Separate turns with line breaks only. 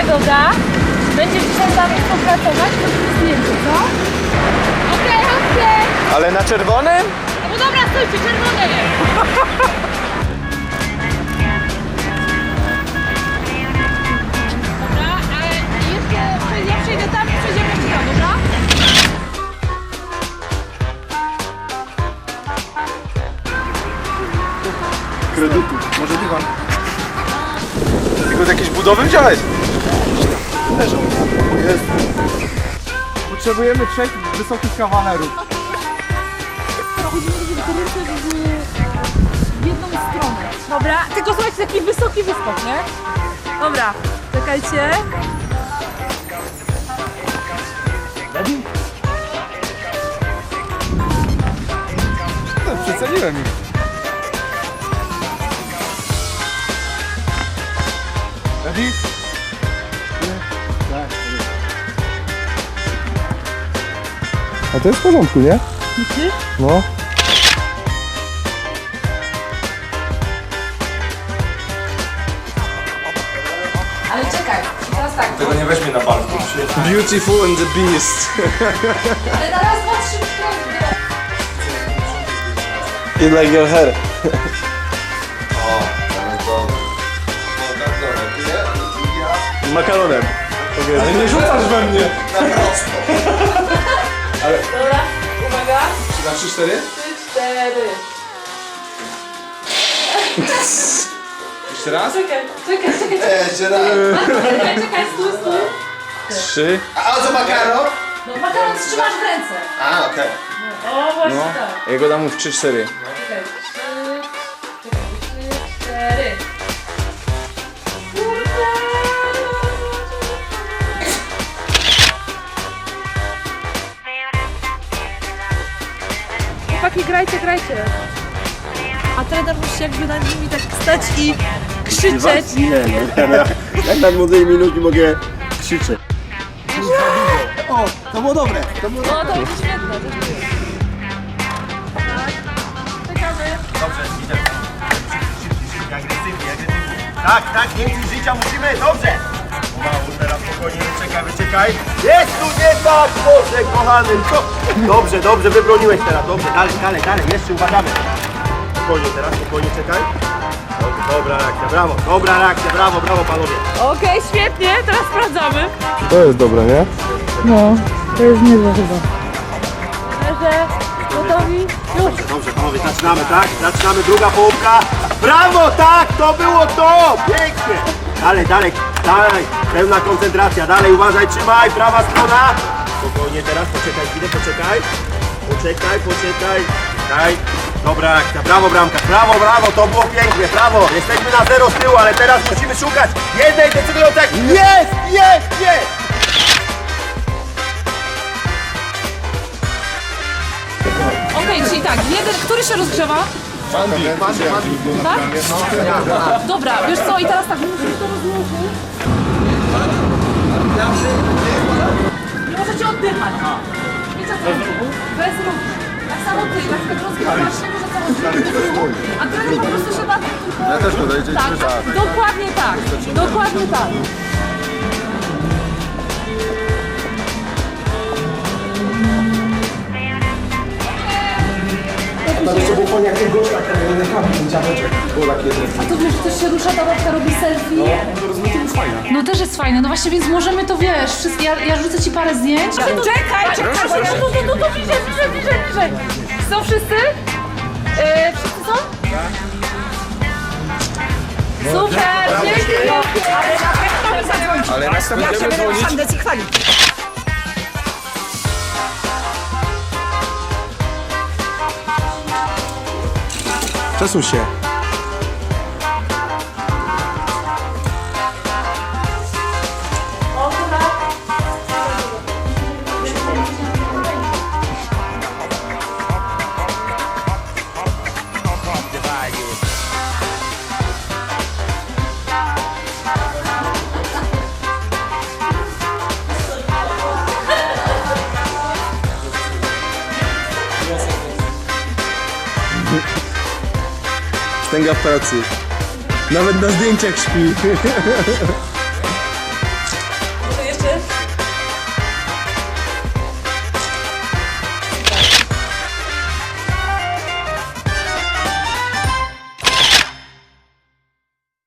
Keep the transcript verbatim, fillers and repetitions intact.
Dobra. Będziesz dzisiaj z nami współpracować, robimy zdjęcie, co? Okej, okej.
Ale na czerwonym?
No dobra, stójcie, czerwone jest. Dobra, ale jeszcze ja przejdę tam i przejdziemy jeszcze tam, dobra?
Kredytu, może dywan. Tylko z jakiejś budowy wziąłeś? Leżą. Jest. Potrzebujemy trzech wysokich kawalerów.
W jedną stronę. Dobra, tylko słuchajcie, taki wysoki wyskok, nie? Dobra, czekajcie.
No, przeceniłem ich. Ready? Tak. A to jest w porządku, nie?
Myślisz?
No.
Ale czekaj, teraz tak.
Tego nie weźmie na palcu.
Beautiful and the Beast.
Ale na raz, dwa, trzy, cztery.
You like your hair. Makaronem. Ale nie rzucasz we mnie.
Dobra, uwaga.
Na trzy cztery?
Trzy, cztery.
Jeszcze raz?
Czekaj, czekaj, czekaj.
Jeszcze raz.
Czekaj, czekaj, stój, stój.
Trzy.
A o co makaron?
No makaron trzymasz w ręce.
A, okej.
O, właśnie
No.
tak.
Ja go dam mu w trzy cztery.
Czekaj, trzy, czekaj, trzy, cztery. Chłopaki, grajcie, grajcie. A trener musi jakby nad nimi tak stać i krzyczeć.
Nie, no, ja, jak na młodej minuty mogę krzyczeć.
O, to było dobre. To było
No to będzie świetne. to będzie. Tak. Czekamy.
dobrze, idę. Agresywnie, agresywnie. Tak, tak, więcej życia musimy, dobrze. Pomału, teraz spokojnie, wyczekaj, wyczekaj. Jest tu nie tak, Boże, kochany. No. Dobrze, dobrze, wybroniłeś teraz, dobrze, dalej, dalej, dalej, jeszcze uważamy. Spokojnie teraz, spokojnie, czekaj. Dobrze, dobra reakcja, brawo, dobra reakcja, brawo, brawo panowie.
Okej, świetnie, teraz sprawdzamy.
To jest dobre, nie?
No, to jest niezłe chyba. Leżę, gotowi? Już.
Dobrze, panowie, zaczynamy, tak? Zaczynamy, druga połówka. Brawo, tak, to było to! Pięknie! Dalej, dalej, dalej, pełna koncentracja, dalej, uważaj, trzymaj, prawa strona. Spokojnie teraz, poczekaj chwilę, poczekaj. Poczekaj, poczekaj, daj. Dobra akcja, brawo bramka, brawo, brawo, to było pięknie, brawo. Jesteśmy na zero z tyłu, ale teraz musimy szukać jednej decydującej. Jest, jest, jest!
Okej, czyli tak, jeden, który się rozgrzewa? Tak? Dobra, wiesz co, i teraz tak, musisz to rozłożyć. Nie możecie oddychać. Wiecie co? Bez ruchu. Tak samo ty, na przykład rozgrywasz się, może cały bez ruchu. A trener po prostu się da tylko...
Ja też podejdzie
Tak, dokładnie tak, dokładnie tak. A to wiesz, że też się rusza, ta babka robi selfie? No też jest fajne, no właśnie, więc możemy to, wiesz, wszystkie, ja, ja rzucę ci parę zdjęć. Czekaj, czekaj, no, no, no, no, bliżej, bliżej, bliżej, bliżej. Są wszyscy? Yy, wszyscy są? Super, dzięki!
Ale nas tam będziemy dzwonić. Przesuń się. Stęga w pracy. Nawet na zdjęciach śpi.